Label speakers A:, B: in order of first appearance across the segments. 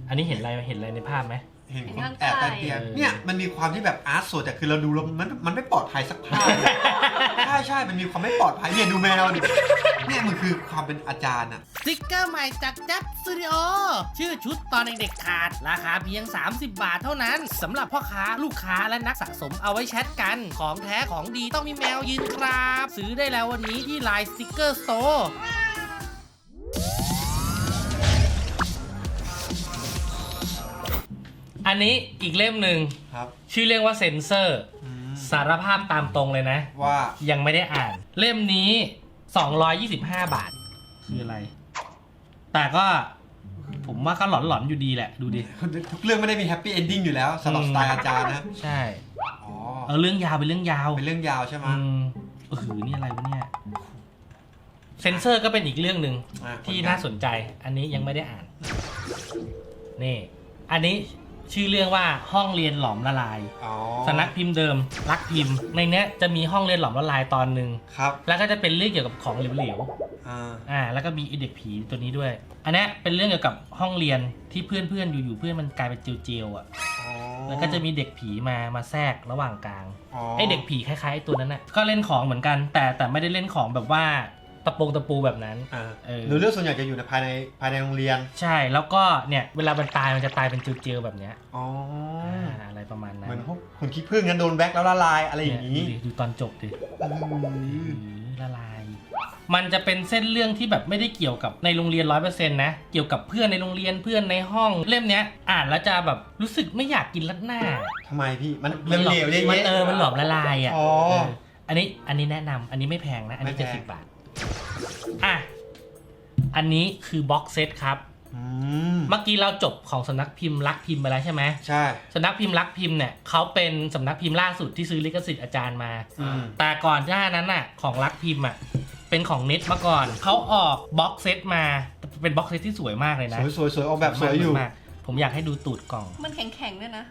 A: อันนี้เห็นอะไรในภาพไหม
B: เห็นคนแอบใต้เตียงเนี่ยมันมีความที่แบบอาร์ตสดแต่คือเราดูแล้วมันไม่ปลอดภัยสักภาพ ใช่มันมีความไม่ปลอดภัยเนี่ยดูแมวดิเนี่ยมันคือความเป็นอาจารย์อะ
C: สติกเกอร์ใหม่จากจับสตูดิโอชื่อชุดตอนเด็กๆขาดราคาเพียง30 บาทเท่านั้นสำหรับพ่อค้าลูกค้าและนักสะสมเอาไว้แชทกันของแท้ของดีต้องมีแมวยืนครับซื้อได้แล้ววันนี้ที่ไลน์สติกเกอร์สโตร์
A: อันนี้อีกเล่มหนึ่งชื่อเรื่องว่าเซนเซอร์สารภาพตามตรงเลยนะ
B: ว่า
A: ยังไม่ได้อ่านเล่มนี้225 บาทคืออะไรแต่ก็ผมว่าก็หลอนๆอยู่ดีแหละดูดิ
B: ทุกเรื่องไม่ได้มีแฮปปี้เอนดิ้งอยู่แล้วสำหรับสไตล์อาจารย์นะ
A: ใช่เรื่องยาวเป็นเรื่องยาว
B: ใช่ไหม
A: นี่อะไรวะเนี่ยเซนเซอร์ก็เป็นอีกเรื่องหนึ่งที่น่าสนใจอันนี้ยังไม่ได้อ่านนี่อันนี้ชื่อเรื่องว่าห้องเรียนหลอมละลายสำนักพิมพ์เดิมรักพิมพ์ในเนี้ยจะมีห้องเรียนหลอมละลายตอนหนึ่งแล้วก็จะเป็นเรื่องเกี่ยวกับของเหลวๆแล้วก็มีเด็กผีตัวนี้ด้วยอันนี้เป็นเรื่องเกี่ยวกับห้องเรียนที่เพื่อนอยู่ๆเพื่อนมันกลายเป็นเจลอ่ะแล้วก็จะมีเด็กผีมาแทรกระหว่างกลางไอเด็กผีคล้ายๆตัวนั้นน่ะก็เล่นของเหมือนกันแต่ไม่ได้เล่นของแบบว่าตะปูแบบนั้น
B: หรือเรื่องส่วนใหญ่จะอยู่ในภายในโรงเรียน
A: ใช่แล้วก็เนี่ยเวลามันตายมันจะตายเป็นเจลแบบเนี้ยอะไรประมาณนั้น
B: เหมือนพวกคนขี้ผึ้งนั้นโดนแบ็คแล้วละลายอะไรอย่างนี้
A: ดูตอนจบดิละลายมันจะเป็นเส้นเรื่องที่แบบไม่ได้เกี่ยวกับในโรงเรียน 100% นะเกี่ยวกับเพื่อนในโรงเรียนเพื่อนในห้องเล่มเนี้ยอ่านแล้วจะแบบรู้สึกไม่อยากกินรัดหน้า
B: ทำไมพี่มันเหลวๆเนี่ย
A: มันหลอมละลายอ่ะอันนี้แนะนำอันนี้ไม่แพงนะอันนี้70 บาทอันนี้คือบ็อกเซตครับเมื่อกี้เราจบของสำนักพิมพ์รักพิมพ์ไปแล้วใช่ไหม
B: ใช่
A: สำนักพิมพ์รักพิมพ์เนี่ยเขาเป็นสำนักพิมพ์ล่าสุดที่ซื้อลิขสิทธิ์อาจารย์มาแต่ก่อนหน้านั้นน่ะของรักพิมพ์อ่ะเป็นของเน็ตมาก่อนเขาออกบ็อกเซตมาเป็นบ็อกเซตที่สวยมากเลยนะ
B: สวยออกแบบสวยอยู่
A: ผมอยากให้ดูตูดกล่อง
D: มันแข็งๆด้วยนะ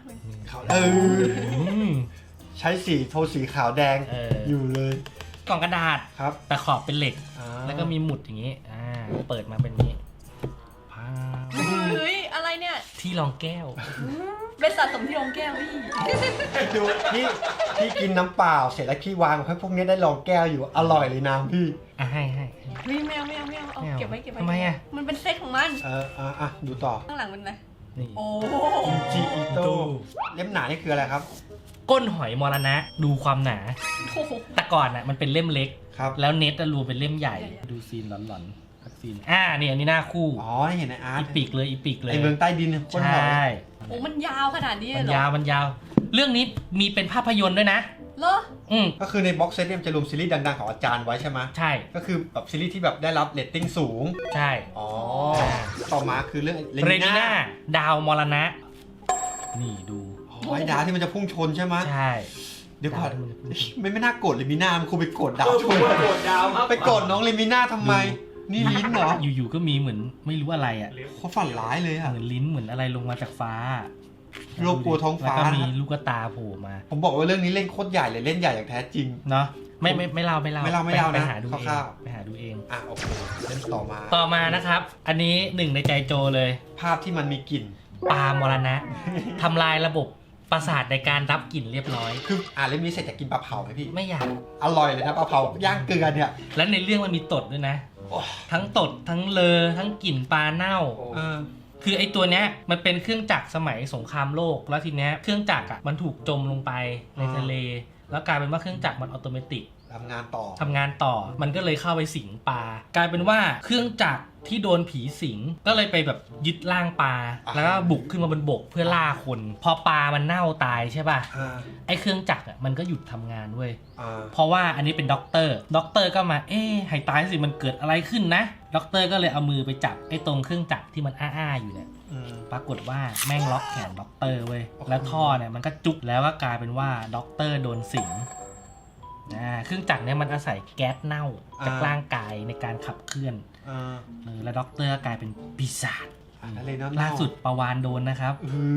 B: ใช้โทนสีขาวแดงอยู่เลย
A: กล่องกระดาษ
B: ครับ
A: แต่ขอบเป็นเหล็กแล้วก็มีหมุดอย่างนี้เปิดมาเป็นนี้
D: เฮ้ยอะไรเนี่ย
A: ที่รองแก้ว
D: เป็นสะสมที่รองแก้ว
B: ดูพี่กินน้ำเปล่าเสร็จแล้วพี่วางให้พวกนี้ได้รองแก้วอยู่อร่อยเลยน้ำพี่
A: ให้
D: ไม่เอาเอาเก็บไว้
A: ทำไม
D: มันเป็นเซตของมัน
B: ดูต่อ
D: ข้างหลังเป็นอะไรโอ้
B: จิอิโต้เล่มหนานี่คืออะไรครับ
A: ก้นหอยมรณะดูความหนาแต่ก่อนมันเป็นเล่มเล็กแล้วเน็ตรวมเป็นเล่มใหญ่ดูซีนหลอนๆซีนนี่อันนี้หน้าคู่
B: เห็นในอาร์ต
A: อีปีกเลยไอ
B: เมืองใต้ดิน
A: ก้นหอย
D: โอ้มันยาวขนาดนี้เหรอ
A: มันยาวเรื่องนี้มีเป็นภาพยนตร์ด้วยนะ
D: เหรอ
B: ก็คือในบ็อกเซตเนี่ยจะรวมซีรีส์ดังๆของอาจารย์ไว้ใช่ไหม
A: ใช่
B: ก็คือแบบซีรีส์ที่แบบได้รับเรตติ้งสูง
A: ใช่
B: ต่อมาคือเรื่อง
A: เรนิน่าดาวมรณะนี่ดู
B: ไอ้ดาวที่มันจะพุ่งชนใช่ไหม
A: ใช่
B: เดี๋ยวก่อนไม่น่าโกรธเลมิน่ามันคงไปโกรธดาวชนไปโกรธน้องเลมิน่าทำไมนี่ลิ้นเหรอ
A: อยู่ๆก็มีเหมือนไม่รู้อะไร
B: เขาฝันร้ายเลย
A: เหมือนลิ้นเหมือนอะไรลงมาจากฟ้า
B: โลกกลัวท้องฟ้า
A: แล้วก็มีลูกตาโผล่มา
B: ผมบอกว่าเรื่องนี้เล่นโคตรใหญ่เลยเล่นใหญ่อย่างแท้จริง
A: เนาะไม่เล่า
B: นะ
A: ไปหาดูเองไปหาดูเอง
B: โอเคเล่น
A: ต่อมานะครับอันนี้หนึ่งในใจโจเลย
B: ภาพที่มันมีกลิ่น
A: ปลามรณะทำลายระบบประสาทในการรับกลิ่นเรียบร้อย
B: คือเล่มนี้เสร็จจะกินปลาเผาไหมพี่
A: ไม่อยาก
B: อร่อยเลยนะปลาเผาย่างเกลือเนี่ย
A: แล้วในเรื่องมันมีตดด้วยนะทั้งตดทั้งเลอทั้งกลิ่นปลาเน่าคือไอตัวเนี้ยมันเป็นเครื่องจักรสมัยสงครามโลกแล้วทีเนี้ยเครื่องจักรมันถูกจมลงไปในทะเลแล้วกลายเป็นว่าเครื่องจักรมันอัตโนมัติ
B: ทำงานต่อ
A: มันก็เลยเข้าไปสิงปลากลายเป็นว่าเครื่องจักรที่โดนผีสิงก็เลยไปแบบยึดร่างปลาแล้วก็บุกขึ้นมาบนบกเพื่อล่าคนพอปลามันเน่าตายใช่ป่ะไอเครื่องจักรมันก็หยุดทำงานเว้ยเพราะว่าอันนี้เป็นด็อกเตอร์ก็มาให้ตายสิมันเกิดอะไรขึ้นนะด็อกเตอร์ก็เลยเอามือไปจับไอตรงเครื่องจักรที่มันอยู่เนี่ยปรากฏว่าแม่งล็อกแขนด็อกเตอร์เว้ยแล้วท่อเนี่ยมันก็จุกแล้วก็กลายเป็นว่าด็อกเตอร์โดนสิงเครื่องจักรเนี่ยมันอาศัยแก๊สเน่าจากร่างกายในการขับเคลื่อนแล้วด็อกเตอร์กลายเป็นปีศาจล่าสุดปลาวาฬโดนนะครับ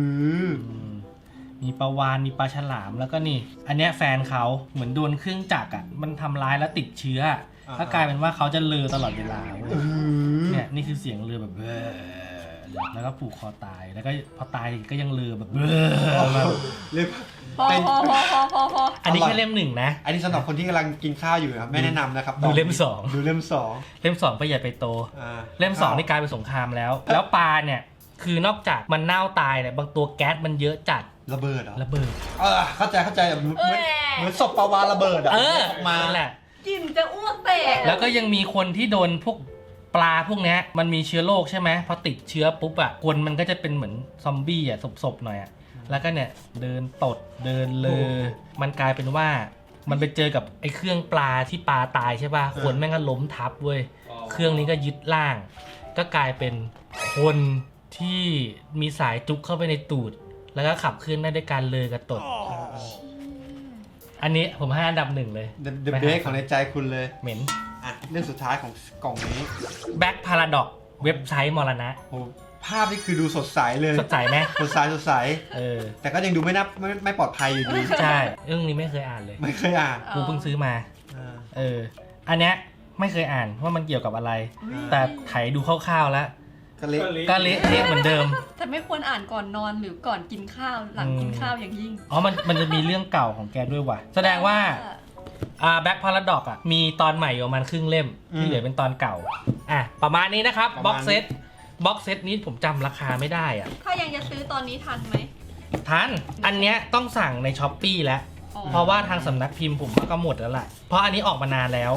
A: มีปลาวาฬมีปลาฉลามแล้วก็นี่อันเนี้ยแฟนเขาเหมือนโดนเครื่องจักรมันทำร้ายแล้วติดเชื้อแล้วกลายเป็นว่าเขาจะเลอตลอดเวลาเนี่ยนี่คือเสียงเลอแบบแล้วก็ผูกคอตายแล้วก็พอตายก็ยังลือแบบ
B: เรียก
D: พอ
B: เป็น
D: พอ
A: อันนี้แค่เล่มหนึ่งนะ
B: อันนี้สำหรับคนที่กำลังกินข้าวอยู่นะครับไม่แนะนำนะครับ
A: ดูเล่มสอง
B: ดูเล่มสอง
A: เล่ม 2 ไปใหญ่ไปโต เล่ม 2 นี่กลายเป็นสงครามแล้ว แล้วปลาเนี่ยคือนอกจากมันเน่าตายเนี่ยบางตัวแก๊สมันเยอะจัด
B: ระเบิดเหรอ
A: ระเบิด
B: เข้าใจเหมือนศพปลาวาฬระเบิดอ่ะ
A: เออ
B: ออกมา
A: นั่นแหละ
D: กินจะอ้วกแตก
A: แล้วก็ยังมีคนที่โดนพวกปลาพวกเนี้ยมันมีเชื้อโรคใช่ไหมพอติดเชื้อปุ๊บอะคนมันก็จะเป็นเหมือนซอมบี้อะศพๆหน่อยอะแล้วก็เนี่ยเดินตดเดินเลอมันกลายเป็นว่ามันไปเจอกับไอ้เครื่องปลาที่ปลาตายใช่ป่ะคนแม่งก็ล้มทับเว้ยเครื่องนี้ก็ยึดร่าง ก็กลายเป็นคนที่มีสายจุกเข้าไปในตูดแล้วก็ขับเคลื่อนได้ด้วยการเลอกับตด อันนี้ผมให้อันดับ 1เลย
B: เดอะเบสของในใจคุณเลย
A: เหม็น
B: เรื่องสุดท้ายของกล่องนี้
A: Back Paradox เว็บไซต์มรณะ
B: โอ้ภาพนี่คือดูสดใสเลย
A: สดใสไหม
B: สดใส แต่ก็ยังดูไม่ปลอดภัยอยู่ดี
A: ใช่เรื่องนี้ไม่เคยอ่านเลย
B: ไม่เคยอ่าน
A: กูเพิ่งซื้อมาอันเนี้ยไม่เคยอ่านว่ามันเกี่ยวกับอะไร แต่ไถดูคร่าวๆแล้ว
B: ก็เละ
A: ก็เละเหมือนเดิม
D: แต่ไม่ควรอ่านก่อนนอนหรือก่อนกินข้าวหลังกินข้าวอย่างยิ่ง
A: อ๋อมันจะมีเรื่องเก่าของแกด้วยว่ะแสดงว่าBack Paradox มีตอนใหม่อยู่ประมาณครึ่งเล่มที่เหลือเป็นตอนเก่าประมาณนี้นะครับบ็อกเซตนี้ผมจำราคาไม่ได้อ่ะ
D: ถ้ายังจะซื้อตอนนี้ทันไหม
A: ทันอันเนี้ยต้องสั่งใน Shopee แล้ว
D: อ๋อ
A: เพราะว่าทางสำนักพิมพ์ผมว่าก็หมดแล้วแหละเพราะอันนี้ออกมานานแล้ว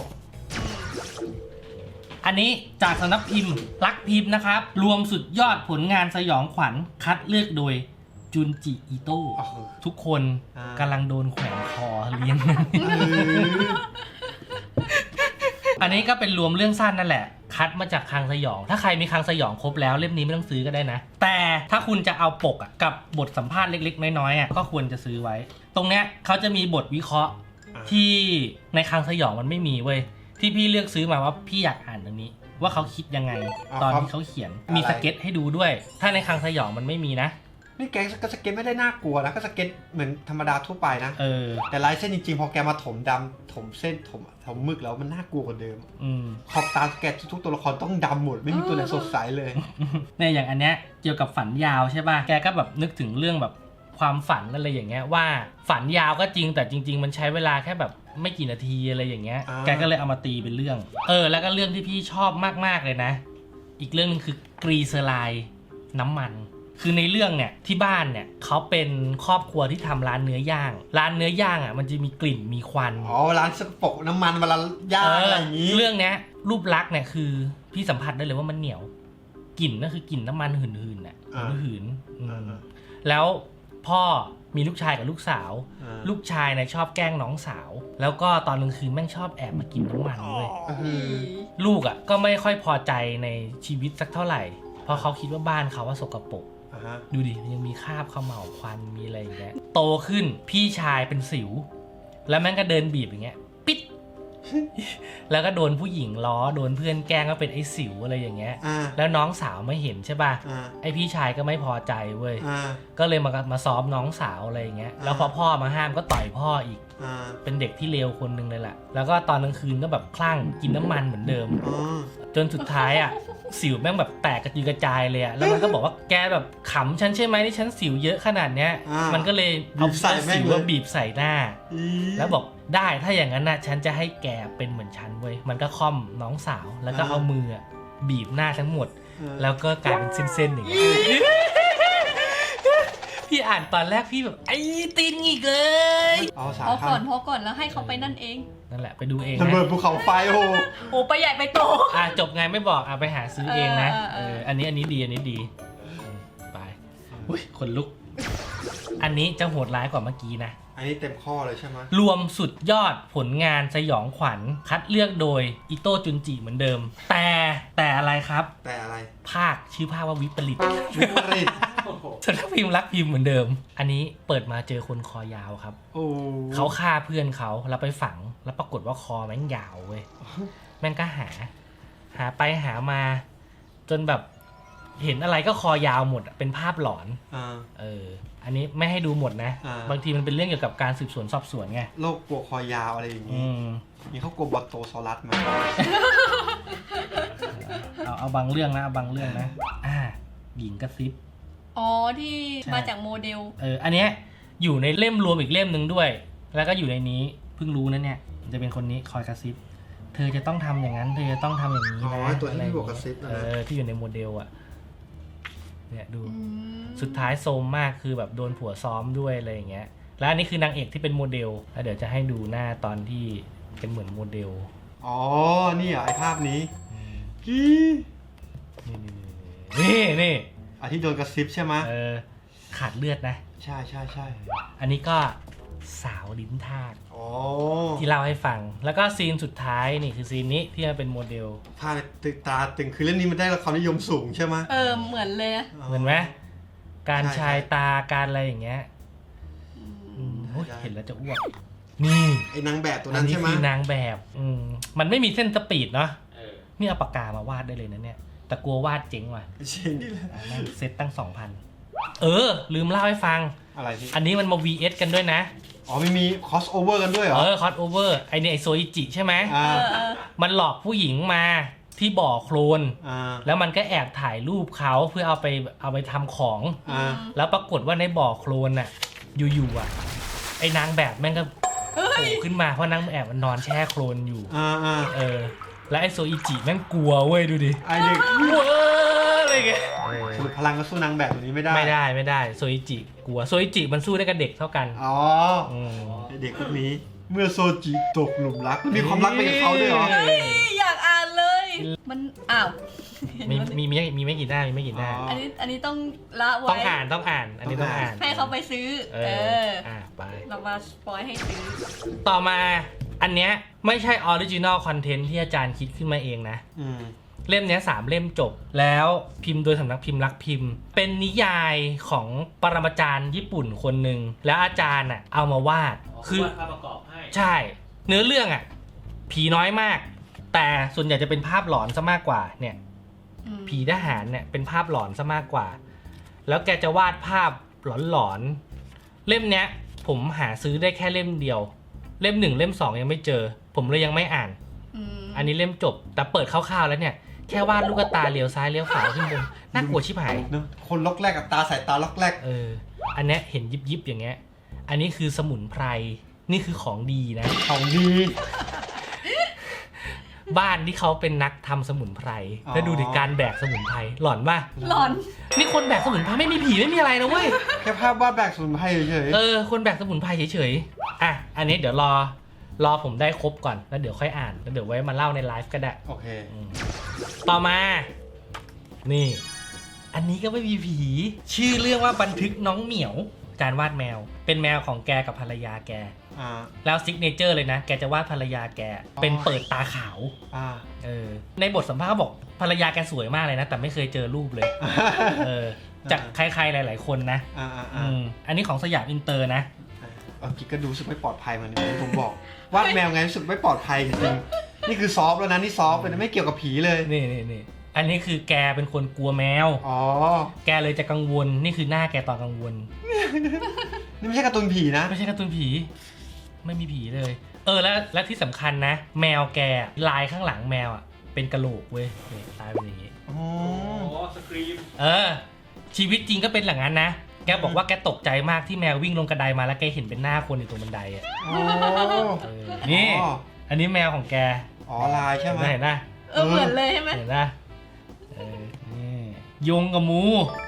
A: อันนี้จากสำนักพิมพ์รักพิมพ์นะครับรวมสุดยอดผลงานสยองขวัญคัดเลือกโดยจุนจิอิโต้ทุกคนกำลังโดนแขวนคอเลี้ยง อันนี้ก็เป็นรวมเรื่องสั้นนั่นแหละคัดมาจากคลังสยองถ้าใครมีคลังสยองครบแล้วเล่มนี้ไม่ต้องซื้อก็ได้นะแต่ถ้าคุณจะเอาปกกับบทสัมภาษณ์เล็กๆน้อยๆก็ควรจะซื้อไว้ตรงเนี้ยเขาจะมีบทวิเคราะห์ที่ในคลังสยองมันไม่มีเว้ยที่พี่เลือกซื้อมาว่าพี่อยากอ่านตรงนี้ว่าเขาคิดยังไงตอนที่เขาเขียนมีสเก็ตให้ดูด้วยถ้าในคลังสยองมันไม่มีนะ
B: นี่แกก็สเก็ตไม่ได้น่ากลัวนะก็สเก็ตเหมือนธรรมดาทั่วไปนะ แต่ลายเส้นจริงๆพอแกมาถมดำถมเส้นถมมึกแล้วมันน่ากลัวกว่าเดิมขอบตาแกทุกตัวละครต้องดำหมดไม่มีตัวไหนสดใสเลย
A: เนี่ยอย่างอันเนี้ยเกี่ยวกับฝันยาวใช่ป่ะแกก็แบบนึกถึงเรื่องแบบความฝันอะไรอย่างเงี้ยว่าฝันยาวก็จริงแต่จริงๆมันใช้เวลาแค่แบบไม่กี่นาทีอะไรอย่างเงี้ยแกก็เลยเอามาตีเป็นเรื่องแล้วก็เรื่องที่พี่ชอบมากๆเลยนะอีกเรื่องนึงคือกรีเซอไรด์น้ำมันคือในเรื่องเนี่ยที่บ้านเนี่ยเขาเป็นครอบครัวที่ทำร้านเนื้อย่างมันจะมีกลิ่นมีควัน
B: ร้านสกปรกน้ำมันเวลาย่างอะไรอย่างนี้
A: เรื่องเนี้ยรูปลักษณ์เนี่ยคือพี่สัมผัสได้เลยว่ามันเหนียวกลิ่นก็คือกลิ่นน้ำมันหืนๆน่ะหืนแล้วพ่อมีลูกชายกับลูกสาวลูกชายเนี่ยชอบแกล้งน้องสาวแล้วก็ตอนกลางคืนแม่งชอบแอบมากินน้ำมันด้วยลูกก็ไม่ค่อยพอใจในชีวิตสักเท่าไหร่เพราะเขาคิดว่าบ้านเขาว่าสกปรกดูดิยังมีคราบเขม่าวควันมีอะไรอย่างเงี้ยโตขึ้นพี่ชายเป็นสิวแล้วแม่งก็เดินบีบอย่างเงี้ยปิด แล้วก็โดนผู้หญิงล้อโดนเพื่อนแกล้งก็เป็นไอ้สิวอะไรอย่างเงี้ยแล้วน้องสาวไม่เห็นใช่ป่ะไอ้พี่ชายก็ไม่พอใจเว้ยก็เลยมาซ้อมน้องสาวอะไรอย่างเงี้ยแล้วพอพ่อมาห้ามก็ต่อยพ่ออีกเป็นเด็กที่เลวคนหนึ่งเลยแหละแล้วก็ตอนกลางคืนก็แบบคลั่งกินน้ำมันเหมือนเดิมจนสุดท้ายสิวแม่งแบบแตกกระจุยกระจายเลยแล้วมันก็บอกว่าแกแบบขำฉันใช่ไหมที่ฉันสิวเยอะขนาดเนี้ยมันก็เลยเอาสิวบีบใส่หน้าแล้วบอกได้ถ้าอย่างนั้นนะฉันจะให้แกเป็นเหมือนฉันเว้ยมันก็ค่อมน้องสาวแล้วก็เอามือบีบหน้าทั้งหมดแล้วก็กลายเป็นเส้นๆอย่างนี้พี่อ่านตอนแรกพี่แบบไอ้ตีนอีกเลย
D: พอก่อนแล้วให้เขาไปนั่นเอง
A: นั่นแหละไปดูเอง
B: ระเบิดภูเขาไฟ
D: โอ้ไปใหญ่ไปโต
A: จบไงไม่บอกไปหาซื้อเองนะอันนี้ดีไปอุ้ยขนลุกอันนี้จะโหดร้ายกว่าเมื่อกี้นะ
B: อันนี้เต็มข้อเลยใช่ไหม
A: รวมสุดยอดผลงานสยองขวัญคัดเลือกโดยอิโต้จุนจิเหมือนเดิมแต่อะไรครับ
B: แต่อะไร
A: ภาคชื่อภาคว่าวิปริตสำนักพิมพ์รักพิมพ์เหมือนเดิมอันนี้เปิดมาเจอคนคอยาวครับเขาฆ่าเพื่อนเขาแล้วไปฝังแล้วปรากฏว่าคอแม่งยาวเว้ยแม่งก็หาไปหามาจนแบบเห็นอะไรก็คอยาวหมดเป็นภาพหลอนอันนี้ไม่ให้ดูหมดนะบางทีมันเป็นเรื่องเกี่ยวกับการสืบสวนสอบสวนไง
B: โรคกลัวคอยาวอะไรอย่างนี้มีเขากลัวบักโตซอรัสไหม
A: เอาบางเรื่องนะหญิงกระซิบ
D: อ๋อที่
A: ใช่
D: มาจากโมเดล
A: อันเนี้ยอยู่ในเล่มรวมอีกเล่มหนึ่งด้วย แล้วก็อยู่ในนี้เพิ่งรู้นะเนี่ยจะเป็นคนนี้คอยกระซิบเธอจะต้องทำอย่างนั้นเธอจะต้องทำอย่างนี้
B: อ๋อ
A: นะ
B: ตัวที่บอกกระซิบนะ
A: ที่อยู่ในโมเดลอ่ะเนี่ยดู
D: อืม
A: สุดท้ายโซมมากคือแบบโดนผัวซ้อมด้วยอะไรอย่างเงี้ยแล้วอันนี้คือนางเอกที่เป็นโมเดลแล้วเดี๋ยวจะให้ดูหน้าตอนที่เป็นเหมือนโมเดล
B: อ๋อนี่เหรอไอภาพนี้
A: นี่
B: อันที่โดนกระซิบใช่ไหม
A: ขาดเลือดนะ
B: ใช่ใช่ใช่
A: อันนี้ก็สาวลิ้นทาส
B: อ๋อ
A: ที่เล่าให้ฟัง แล้วก็ซีนสุดท้ายนี่คือซีนนี้ที่มันเป็นโมเดล
B: ถ้าตึกตาตึงคือเรื่องนี้มันได้รับความนิยมสูงใช่ไหม
D: เหมือนเลยอะ
A: เหมือนไหมการ
B: ใช่
A: ชาย
B: ใช่
A: ตาการอะไรอย่างเงี้ย
D: อืม
A: โอ้ย
B: ใช่
A: เห็นแล้วจะอ้วกนี่
B: ไอ้นางแบบตัว
A: อั
B: นั้น น
A: นี้
B: ใช่ไหม
A: คือนางแบบมันไม่มีเส้นสปีดเนาะนี่เอาปากกามาวาดได้เลยนะเนี่ยแต่กลัววาดเจ๊งว่ะ
B: ใช่นี่แหละ
A: แม่งเซ็ตตั้ง 2,000 ลืมเล่าให้ฟัง
B: อะไรพี่
A: อันนี้มันมา VS กันด้วยนะ
B: อ๋อไม่มีคอสโอเวอร์กันด้วยเหรอ
A: คอสโอเวอร์ไอเนี่ยไอโซอิจิใช่ไหม
B: อ่า
A: มันหลอกผู้หญิงมาที่บ่อโคลน
B: อ่า
A: แล้วมันก็แอบถ่ายรูปเขาเพื่อเอาไปทำของ
B: อ่า
A: แล้วปรากฏว่าในบ่อโคลนน่ะอยู่ๆอ่ะไอ้นางแบบแม่งก็โผล่ขึ้นมาเพราะนางแบบมันนอนแช่โคลนอยู่
B: อ่า
A: แล้วไอ้โซอิจิแม่งกลัวเว้ยดูดิ
B: ไอเด็ก
A: เว้ยอะไรเงี้ย
B: สรุปพลังก็สู้นางแบบตัวนี้ไม่ได้
A: ไม่ได้โซอิจิกลัวโซอิจิมันสู้ได้กับเด็กเท่ากัน
B: อ๋อ
A: ม
B: ไอเด็กพวกนี้เมื่อโซจิตกหลุมรักมันมีความรักไปกับเขาด้วยเหรอ
D: อยากอ่านเลย มันอ้าวเห็น
A: มี
D: ว่า
A: มีไม่กี่หน้ามีไม่กี่หน้า
B: อ๋อ
D: อันนี้ต้องละไว้
A: ต้องอ่านอันนี้ต้องอ่าน
D: ให้เขาไปซื้อ
A: ไป
D: เรามาสปอยให้ซื้อ
A: ต่อมาอันเนี้ยไม่ใช่ออริจินอลคอนเทนต์ที่อาจารย์คิดขึ้นมาเองนะ
B: อืม
A: เล่มเนี้ย3 เล่มจบแล้วพิมพ์โดยสำนักพิมพ์รักพิมพ์ เป็นนิยายของปรมาจารย์ญี่ปุ่นคนหนึ่งแล้วอาจารย์เอามาวาดคือ
C: ภาพประกอบให้
A: ใช่เนื้อเรื่องผีน้อยมาก แต่ส่วนใหญ่จะเป็นภาพหลอนซะมากกว่าเนี่ย ผีทหารเนี่ยเป็นภาพหลอนซะมากกว่า แล้วแกจะวาดภาพหลอนๆเล่มเนี้ยผมหาซื้อได้แค่เล่มเดียวเล่ม1เล่ม2ยังไม่เจอผมเลยยังไม่อ่าน อันนี้เล่มจบแต่เปิดคร่าวๆแล้วเนี่ยแค่วาดลูกตาเลี้ยวซ้ายเลี้ยวขวาขึ้นบนน่ากลัวชิบหาย
B: เนอะคนล็อกแรกกับตาสายตาล็อกแรก
A: อันเนี้ยเห็นยิบๆอย่างเงี้ยอันนี้คือสมุนไพรนี่คือของดีนะ
B: ของดี
A: บ้านที่เขาเป็นนักทำสมุนไพรแล้วดูดิการแบกสมุนไพรหลอนป่ะ
D: หลอน
A: นี่คนแบกสมุนไพรไม่มีผีไม่มีอะไรนะเว้ย
B: แค่ภาพวาดแบกสมุนไพรเฉย
A: คนแบกสมุนไพรเฉยๆอันนี้เดี๋ยวรอผมได้ครบก่อนแล้วเดี๋ยวค่อยอ่านแล้วเดี๋ยวไว้มาเล่าในไลฟ์ก็ได้
B: โอเค
A: ต่อมานี่ อันนี้ก็ไม่มีผีชื่อเรื่องว่าบันทึกน้องเหมียวการวาดแมวเป็นแมวของแกกับภรรยาแก แล้วซิกเนเจอร์เลยนะแกจะวาดภรรยาแกเป็นเปิดตาขาวในบทสัมภาษณ์เขาบอกภรรยาแกสวยมากเลยนะแต่ไม่เคยเจอรูปเลยจากใครๆหลายๆคนนะอันนี้ของสยามอินเตอร์นะ
B: เอาจริงก็ดูรู้สึกไม่ปลอดภัยเหมือนที่ผมบอกวาดแมวไงรู้สึกไม่ปลอดภัยจริงนี่คือซอฟต์แล้วนะนี่ซอฟต์เลยนะไม่เกี่ยวกับผีเลย
A: นี่อันนี้คือแกเป็นคนกลัวแมวแกเลยจะกังวลนี่คือหน้าแกตอนกังวล
B: นี่ไม่ใช่การ์ตูนผีนะ
A: ไม่ใช่การ์ตูนผีไม่มีผีเลยและที่สำคัญนะแมวแกลายข้างหลังแมวเป็นกะโหลกเว้ยตายเป็นอย่างงี้
C: สครีม
A: ชีวิตจริงก็เป็นอย่างนั้นนะแกบอกว่าแกตกใจมากที่แมววิ่งลงกระไดมาแล้วแกเห็นเป็นหน้าคนอยู่ตรงบันไดนี่อันนี้แมวของแก
B: ลายใช่ไหม
A: เห็นนะ
D: เหมือนเลยใช่ไหม
A: เห็นนะนี่ยงกับหมู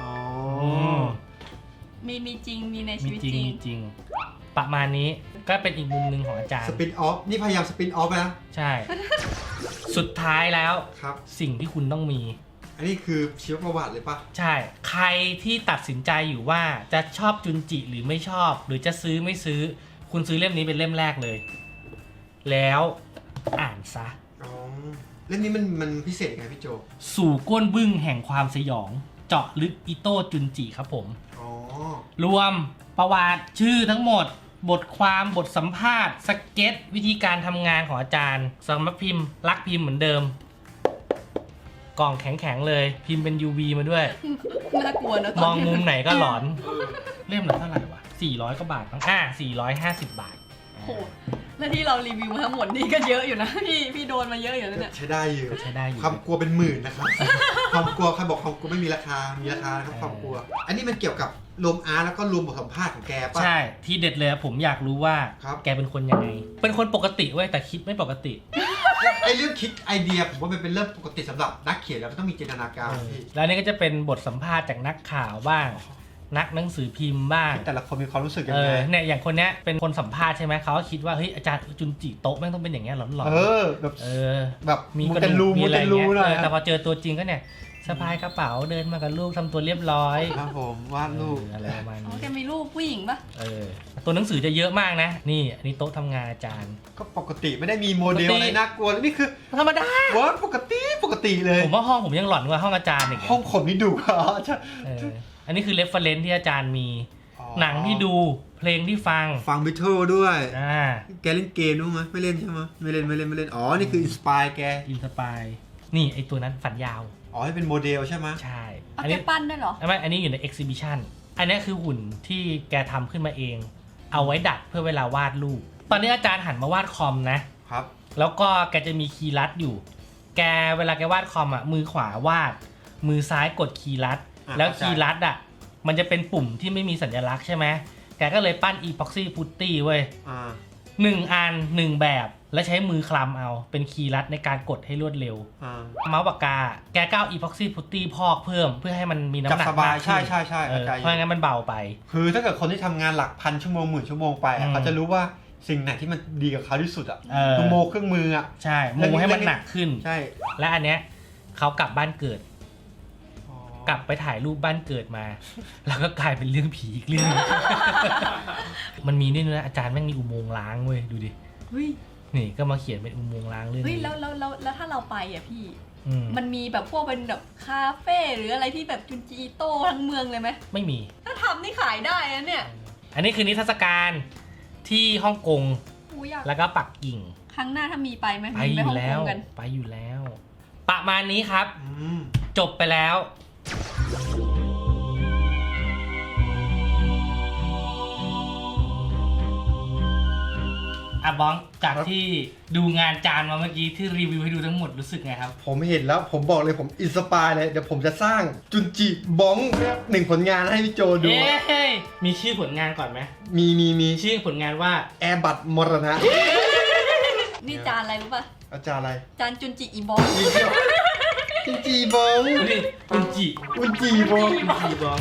D: มีจริงมีในชี
A: มี
D: วิต
A: จริง
D: จริง
A: มีจริงประมาณนี้ก็เป็นอีกมุมหนึ่งของอาจารย์
B: สปินออฟนี่พยายามสปินออฟนะ
A: ใช่ สุดท้ายแล้ว
B: ครับ
A: สิ่งที่คุณต้องมี
B: อันนี้คือชีวประวัติเลยปะ
A: ใช่ใครที่ตัดสินใจอยู่ว่าจะชอบจุนจิหรือไม่ชอบหรือจะซื้อไม่ซื้อคุณซื้อเล่มนี้เป็นเล่มแรกเลย แล้วอ่านซะ
B: เล่มนี้มันพิเศษยังไงพี่โจ
A: สู่ก้นบึ้งแห่งความสยองเจาะลึกอิโต้จุนจิครับผมรวมประวัติชื่อทั้งหมดบทความบทสัมภาษณ์สเก็ตวิธีการทำงานของอาจารย์สำนักพิมพ์รักพิมพ์เหมือนเดิมกล่องแข็งๆเลยพิมพ์เป็น UV มาด้วย
D: น่ากลัวนะ
A: มองมุมไหนก็หลอนเล่มละเท่าไหร่วะ400 กว่าบาทมั้ง450 บาท
D: โหและที่เรารีวิวมาทั้งหมดนี่ก็เยอะอยู่นะ พี่โดนมาเยอะอยู่นะเนี่ย
B: ใช้ได้อยู่
A: ใช้ได้อยู่
B: ความกลัวเป็นหมื่นนะครับ ความกลัวใครบอกความกลัวไม่มีราคา มีราคานะครับความกลัว อันนี้มันเกี่ยวกับรวมอาร์แล้วก็รวมบทสัมภาษณ์ของแกป่ะ
A: ใช่ที่เด็ดเลยผมอยากรู้ว่า
B: ครับ
A: แกเป็นคนยังไง เป็นคนปกติเว้ยแต่คิดไม่ปกติ
B: ไอเรื่องคิดไอเดียผมว่ามันเป็นเรื่องปกติสำหรับนักเขียนแล้วมันต้องมีจินตนาการพี่
A: แล้วนี่ก็จะเป็นบทสัมภาษณ์จากนักข่าวบ้าง นักหนังสือพิมพ์บ้าง
B: แต่ละคนมีความรู้สึกยังไง
A: เนี่ยอย่างคนเนี้ยเป็นคนสัมภาษณ์ใช่ไหมเขาก็คิดว่าเฮ้ยอาจารย์จุนจิโต๊ะแม่งต้องเป็นอย่างเงี้ยหลอนๆ
B: แบบ
A: แบบ
B: มี
A: มี
B: มูเตลูมูเตลูหน่อย
A: แต่พอเจอตัวจริงก็เนี่ยสะพายกระเป๋าเดินมากับลูกทำตัวเรียบร้อย
B: ครับผมวาดรูป
A: อะไรประมาณ
D: อ๋อ
A: นี้
D: แกมีรูปผู้หญิงปะ
A: ตัวหนังสือจะเยอะมากนะนี่อันนี้โต๊ะทำงานอาจารย์
B: ก็ปกติไม่ได้มีโมเดล
A: ปกติ
B: อะไรน่ากลัวนี่คือ
A: ธรรมดา
B: ว่าปกติเลย
A: ผมว่าห้องผมยังหลอนกว่าห้องอาจารย์อีก
B: ห้องผมนี่ดุอ๋อใช่
A: อันนี้คือเรฟเฟอเรนซ์ที่อาจารย์มีหนังที่ดูเพลงที่ฟัง
B: ฟังบิทเทิลด้วย
A: า
B: แกเล่นเกมด้วยไหมไม่เล่นใช่ไหมไม่เล่นอ๋อนี่คืออินสปายแก
A: อินสปายนี่ไอตัวนั้นฝันยาว
B: อ๋อให้เป็นโมเดลใช่ไหม
A: ใช่
D: เอา
A: อัน
D: แก
A: นี้
D: ปั้นได้วยเหรอ
A: ไม่อันนี้อยู่ใน exhibition อันนี้คือหุ่นที่แกทำขึ้นมาเอง เอาไว้ดัดเพื่อเวลาวาดรูป ตอนนี้อาจารย์หันมาวาดคอมนะ
B: ครับ
A: แล้วก็แกจะมีคีย์ลัดอยู่ แกเวลาแกวาดคอมอ่ะ มือขวาวาด มือซ้ายกดคีย์ลัด แล้วคีย์ลัดอ่ะ มันจะเป็นปุ่มที่ไม่มีสัญลักษณ์ใช่ไหม แกก็เลยปั้น epoxy putty เว้ย 1 อัน 1 แบบ แล้วใช้มือคลำเอา เป็นคีย์ลัดในการกดให้รวดเร็ว เมาส์ปากกา แกก็เอา epoxy putty พอกเพิ่มเพื่อให้มันมีน้ำหนัก
B: จับสบาย
A: มากขึ้น
B: ใช่
A: เพราะงั้นมันเบาไป
B: คือถ้าเกิดคนที่ทำงานหลักพันชั่วโมงหมื่นชั่วโมงไปอะเขาจะรู้ว่าสิ่งไหนที่มันดีกับเขาที่สุดอ่ะคือโมเครื่องมืออ่ะ
A: ใช่โมให้มันหนักขึ้น
B: ใช่
A: และอันเนี้ยเขากลับบ้านเกิด กลับไปถ่ายรูปบ้านเกิดมา แล้วก็กลายเป็นเรื่องผีอีกเรื่อง มันมีนี่ด้วยนะอาจารย์แม่งมีอุโมงค์ล้างเว้ยดูดิ
D: เฮ้ย
A: นี่ก็มาเขียนเป็นอุโมงค์ล้างเรื่อง
D: เฮ้ย
A: นี้
D: แล้วถ้าเราไปอ่ะพี่
A: อืม
D: มันมีแบบพวกเป็นแบบคาเฟ่หรืออะไรที่แบบจุนจีโต้ทั้งเมืองเลยไหม
A: ไม่มี
D: ถ้าทำนี่ขายได้นะเนี่ย
A: อันนี้คือนิทรรศการที่ฮ่องกง
D: กูอยาก
A: แล้วก็ปักกิ่ง
D: ครั้งหน้าถ้ามีไปไหม
A: ไป
D: มี
A: อ
D: ฮ่
A: ยู่
D: ง
A: แล้ว
D: กงกัน
A: ไปอยู่แล้ว ประมาณนี้ครับ
B: อืม
A: จบไปแล้วอ่ะบ้องจากที่ดูงานจานมาเมื่อกี้ที่รีวิวให้ดูทั้งหมดรู้สึกไงครับ
B: ผมเห็นแล้วผมบอกเลยผมอินสปายเลยเดี๋ยวผมจะสร้างจุนจิบ้องหนึ่งผลงานให้พี่โจดู
A: เอ้ยมีชื่อผลงานก่อนไหม
B: มี
A: ชื่อผลงานว่า
B: แอร์บัตมรณะ
D: นี่จานอะไรรู้ป่ะ
B: อาจารย์อะไร
D: จานจุนจิอีบอง
B: จุนจิบ้อง
A: นี่อุนจิ
B: จุนจิบ้อง
A: อุนจิบ้อง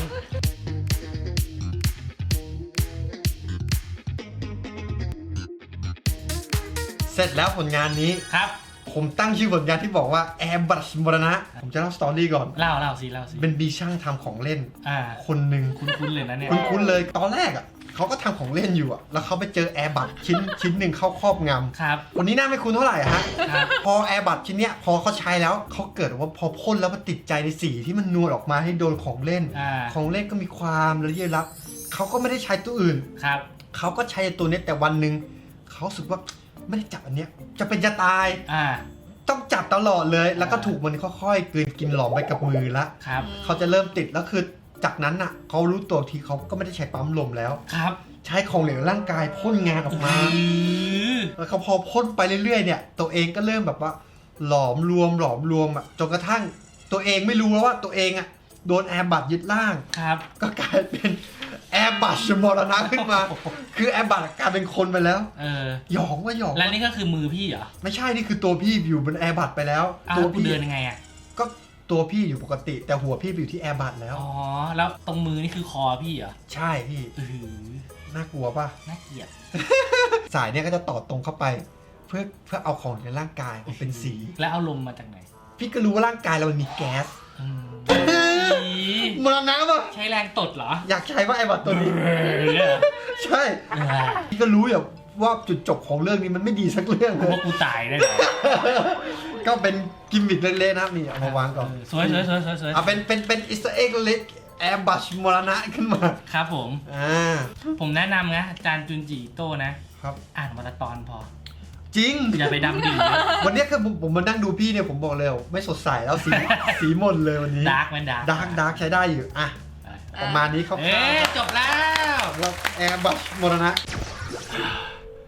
B: เสร็จแล้วผลงานนี้
A: ครับ
B: ผมตั้งชื่อผลงานที่บอกว่าแอร์บัตมรณะผมจะเล่าสตอรี่ก่อน
A: เล่าสิ
B: เป็นบีช่างทำของเล่น
A: อ่า
B: คนหนึ่ง
A: คุ้นๆเลยนะเนี่ย
B: คุ้นๆเลยตอนแรกอ่ะเขาก็ทำของเล่นอยู่อ่ะแล้วเขาไปเจอแอร์บัตชิ้นหนึ่งเข้าครอบงำ
A: ครับ
B: คนนี้น่าไม่คุ้นเท่าไหร่ฮะ
A: ครับ
B: พอแอร์บัตชิ้นเนี้ยพอเขาใช้แล้วเขาเกิดว่าพอพ่นแล้วมันติดใจในสีที่มันนวลออกมาให้โดนของเล่น
A: อ่า
B: ของเล่นก็มีความละเอียดลับเขาก็ไม่ได้ใช้ตัวอื่น
A: ครับ
B: เขาก็ใช้ตัวเนี้ยแต่วันหนึ่งเขารู้สึกว่าไม่ได้จับอันเนี้ยจะเป็นจะตาย
A: อ่า
B: ต้องจับตลอดเลย แล้วก็ถูกมันค่อยๆกลืนกินหลอมไปกับมือละ
A: ครับ
B: เขาจะเริ่มติดแล้วคือจากนั้นน่ะเขารู้ตัวทีเขาก็ไม่ได้ใช้ปั๊มลมแล้ว
A: ครับ
B: ใช้ของเหลวร่างกายพ่นงานออกมา แล้วเขาพอพ่นไปเรื่อยๆเนี่ยตัวเองก็เริ่มแบบว่าหลอมรวมอ่ะจนกระทั่งตัวเองไม่รู้แล้วว่าตัวเองอ่ะโดนแอร์บัตยึดร่าง
A: ครับ
B: ก็กลายเป็นแอร์บัตมรณะขึ้นมา คือแอร์บัตกลายเป็นคนไปแล้ว หยองว่าหยอง
A: แล้วนี่ก็คือมือพี่เหรอ
B: ไม่ใช่นี่คือตัวพี่อยู่บนแอร์บัตไปแล้ว
A: อ้าว
B: ตัว
A: กู
B: พี่
A: เดินยังไงอ่ะ
B: ก็ตัวพี่อยู่ปกติ แต่หัวพี่ไปอยู่ที่แอร์บัตแล้ว
A: อ๋อ แล้วตรงมือนี่คือคอพี่เหรอ
B: ใช่พี่ น่ากลัวป่ะ
A: น่าเกลียด
B: สายเนี่ยก็จะต่อตรงเข้าไป เพื่อเอาของในร่างกายมาเป็นสี
A: แล้วเอาลมมาจากไหน
B: พี่ก็รู้ว่าร่างกายเรามันมีแก๊ส
A: อืม
B: มรณะป่ะ
A: ใช้แรงตดเหรอ
B: อยากใช้ว่าไอ้บัตตัวนี้
A: เนี่ย
B: ใช่ พี่ก็รู้อย่างว่าจุดจบของเรื่องนี้มันไม่ดีสักเรื่องเลย
A: ว่ากูตายได้เหรอ
B: ก็เป็นกิมมิคเล็กๆนะครับนี่เอามาวางก่อน
A: สวย
B: เอาเป็นอิสต์เอ็กเล็กแอร์บัชมรณะขึ้นมา
A: ครับผม ผมแนะนำนะอาจารย์จุนจิโต้นะ
B: ครับ
A: อ่านวันละตอนพอ
B: จริง
A: อย่าไปดำดิ่งนะ
B: วันนี้คือผมมานั่งดูพี่เนี่ยผมบอกเลยไม่สดใสแล้วสีหมดเลยวันนี้
A: ดาร์กมันดาร์ก
B: ดาร์กใช้ได้อยู่อ่ะประมาณนี้ครับ
A: จบแล้ว
B: แอร์บัชมรณะ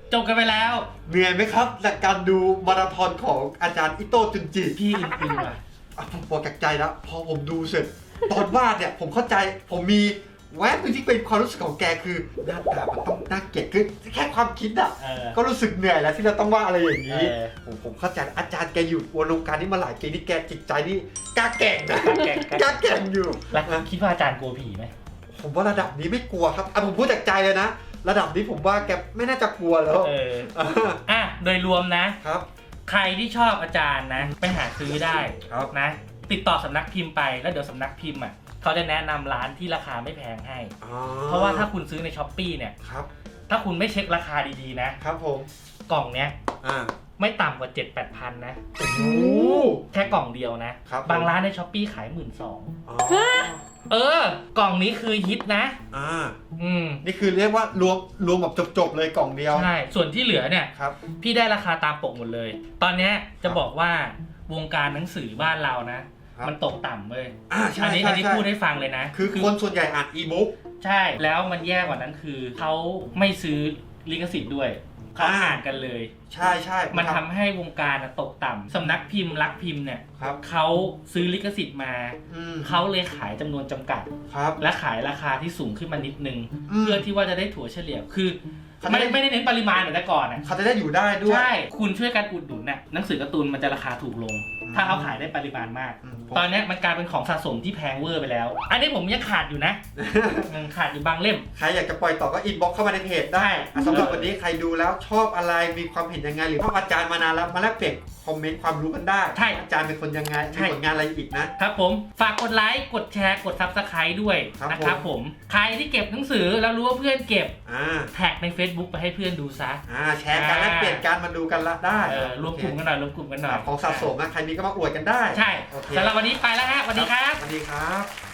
A: จบกันไปแล้ว
B: เหนื่อยไหมครับจากการดูมาราธอนของอาจารย์อิโต้จุนจิ
A: พี่อึ้งๆว่ะ
B: ผมบอกจากใจแล้วพอผมดูเสร็จ ตอนวาดเนี่ยผมเข้าใจผมมีแวบนึงที่เป็นความรู้สึกของแกคือหน้าตามันต้องน่าเกลียดคือแค่ความคิดอ่ะ ก็รู้สึกเหนื่อยแล้วที่เราต้องวาดอะไรอย่างนี้ ผมเข้าใจอาจารย์แกอยู่วงการนี้มาหลายปีนี่แกจิตใจนี่กล้าแก่งนะกล้าแก่งอยู่
A: แล้วคิดว่าอาจารย์กลัวผีไหม
B: ผมว่าระดับนี้ไม่กลัวครับผมพูดจากใจเลยนะระดับนี้ผมว่าแกไม่น่าจะกลัวแล้ว
A: โดยรวมนะ
B: ครับ
A: ใครที่ชอบอาจารย์นะ ไปหาซื้อได้
B: ครับ
A: นะ ติดต่อสำนักพิมพ์ไปแล้วเดี๋ยวสำนักพิมพ์อ่ะเขาจะแนะนำร้านที่ราคาไม่แพงให้ เพราะว่าถ้าคุณซื้อในช้อปปี้เนี่ย
B: ครับ
A: ถ้าคุณไม่เช็คราคาดีๆนะครับ
B: ผม
A: กล่องเนี้ย
B: อ่า
A: ไม่ต่ำกว่า 7-8 พันนะ
B: โอ้โห
A: แค่กล่องเดียวนะครับ บางร้านในช้อปปี้ขาย 12,000
B: อ๋อ
A: กล่องนี้คือฮิตนะ
B: นี่คือเรียกว่ารวมแบบจบๆเลยกล่องเดียว
A: ใช่ ส่วนที่เหลือเนี่ย
B: ครับ
A: พี่ได้ราคาตามปกหมดเลย ตอนเนี้ยจะบอกว่าวงการหนังสือบ้านเรานะ มันตกต่ำเลย
B: ใช่
A: อันนี้พูดให้ฟังเลยนะ
B: คือคนส่วนใหญ่อ่านอีบุ๊ก
A: ใช่ แล้วมันแย่กว่านั้นคือเขาไม่ซื้อลิขสิทธิ์ด้วยเขาอ่านกันเลย
B: ใช่ใช่
A: มันทำให้วงการตกต่ำสำนักพิมพ์รักพิมพ์เนี่ย
B: ครับ
A: เขาซื้อลิขสิทธิ์มาเขาเลยขายจำนวนจำกัด
B: ครับ
A: และขายราคาที่สูงขึ้นมานิดนึง
B: อืม
A: เพื่อที่ว่าจะได้ถั่วเฉลี่ยคือไม่ได้เน้นปริมาณเหมือนแต่ก่อนนะ
B: เขาจะได้อยู่ได้ด้วย
A: ใช่ คุณช่วยกันอุดหนุนน่ะหนังสือการ์ตูนมันจะราคาถูกลง ถ้าเขาขายได้ปริมาณมาก ตอนนี้มันกลายเป็นของสะสมที่แพงเวอร์ไปแล้ว อันนี้ผมยังขาดอยู่นะ ขาดอยู่บางเล่ม
B: ใครอยากจะปล่อยต่อก็อินบ็อกเข้ามาในเพจได้สำหรับวันนี้ใครดูแล้วชอบอะไรมีความเห็นยังไงหรือชอบอาจารย์มานานแล้วมาแลกเปลี่ยนคอมเมนต์ความรู้กันได้
A: ใช่
B: อาจารย์เป็นคนยังไงมีผลงานอะไรอีกนะครับ
A: ผมฝากกดไลค์กดแชร์กด Subscribe ด้วย
B: ครับ
A: นะครับผมใครที่เก็บหนังสือแล้วรู้ว่าเพื่อนเก็บ
B: อ่า
A: แท็กใน Facebook ไปให้เพื่อนดูซะ
B: แชร์กันแลกเปลี่ยนกันมาดูกันละได้
A: รวมกลุ่มกันหน่อยรวมกลุ่มกันหน่อย
B: ของสะสมนะใครมีก็มาอวดกันได้
A: ใช่
B: โอเค
A: สำหรับวันนี้ไปแล้วฮะสวัสดีครับ
B: สวัสดีครับ